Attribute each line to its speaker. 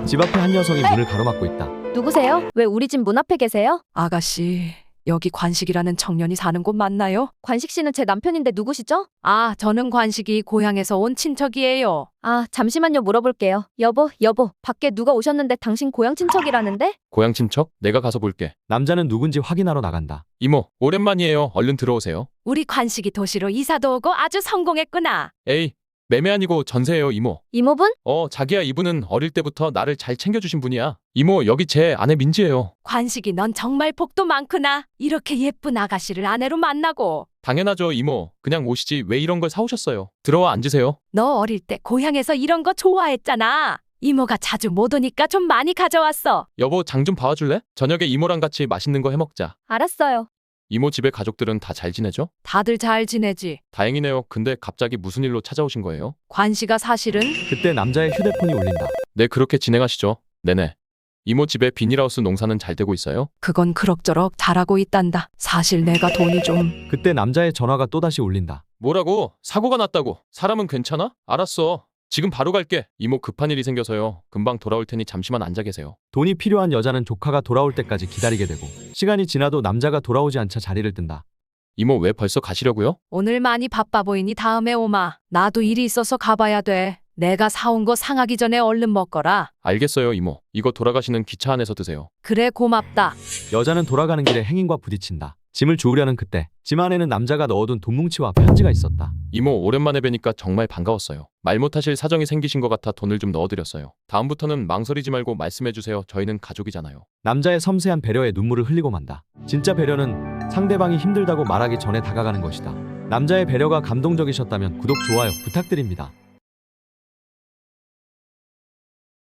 Speaker 1: 집 앞에 한 여성이 문을 가로막고 있다.
Speaker 2: 누구세요? 왜 우리 집 문 앞에 계세요?
Speaker 3: 아가씨, 여기 관식이라는 청년이 사는 곳 맞나요?
Speaker 2: 관식 씨는 제 남편인데 누구시죠?
Speaker 3: 아, 저는 관식이 고향에서 온 친척이에요.
Speaker 2: 아, 잠시만요. 물어볼게요. 여보, 밖에 누가 오셨는데 당신 고향 친척이라는데?
Speaker 4: 고향 친척? 내가 가서 볼게.
Speaker 1: 남자는 누군지 확인하러 나간다.
Speaker 4: 이모, 오랜만이에요. 얼른 들어오세요.
Speaker 3: 우리 관식이 도시로 이사도 오고 아주 성공했구나.
Speaker 4: 에이, 매매 아니고 전세예요, 이모.
Speaker 2: 이모분?
Speaker 4: 자기야, 이분은 어릴 때부터 나를 잘 챙겨주신 분이야. 이모, 여기 제 아내 민지예요.
Speaker 3: 관식이 넌 정말 복도 많구나. 이렇게 예쁜 아가씨를 아내로 만나고.
Speaker 4: 당연하죠, 이모. 그냥 오시지 왜 이런 걸 사오셨어요. 들어와 앉으세요.
Speaker 3: 너 어릴 때 고향에서 이런 거 좋아했잖아. 이모가 자주 못 오니까 좀 많이 가져왔어.
Speaker 4: 여보, 장 좀 봐줄래? 저녁에 이모랑 같이 맛있는 거 해먹자.
Speaker 2: 알았어요.
Speaker 4: 이모 집에 가족들은 다 잘 지내죠?
Speaker 3: 다들 잘 지내지.
Speaker 4: 다행이네요. 근데 갑자기 무슨 일로 찾아오신 거예요?
Speaker 3: 관식아 사실은
Speaker 1: 그때 남자의 휴대폰이 울린다.
Speaker 4: 네, 그렇게 진행하시죠. 네네. 이모 집에 비닐하우스 농사는 잘 되고 있어요?
Speaker 3: 그건 그럭저럭 잘하고 있단다. 사실 내가 돈이 좀.
Speaker 1: 그때 남자의 전화가 또다시 울린다.
Speaker 4: 뭐라고? 사고가 났다고? 사람은 괜찮아? 알았어. 지금 바로 갈게. 이모 급한 일이 생겨서요. 금방 돌아올 테니 잠시만 앉아 계세요.
Speaker 1: 돈이 필요한 여자는 조카가 돌아올 때까지 기다리게 되고 시간이 지나도 남자가 돌아오지 않자 자리를 뜬다.
Speaker 4: 이모 왜 벌써 가시려고요?
Speaker 3: 오늘 많이 바빠 보이니 다음에 오마. 나도 일이 있어서 가봐야 돼. 내가 사온 거 상하기 전에 얼른 먹거라.
Speaker 4: 알겠어요, 이모. 이거 돌아가시는 기차 안에서 드세요.
Speaker 3: 그래 고맙다.
Speaker 1: 여자는 돌아가는 길에 행인과 부딪힌다. 짐을 주우려는 그때 짐 안에는 남자가 넣어둔 돈뭉치와 편지가 있었다.
Speaker 4: 이모 오랜만에 뵈니까 정말 반가웠어요. 말 못하실 사정이 생기신 것 같아 돈을 좀 넣어드렸어요. 다음부터는 망설이지 말고 말씀해주세요. 저희는 가족이잖아요.
Speaker 1: 남자의 섬세한 배려에 눈물을 흘리고 만다. 진짜 배려는 상대방이 힘들다고 말하기 전에 다가가는 것이다. 남자의 배려가 감동적이셨다면 구독, 좋아요 부탁드립니다.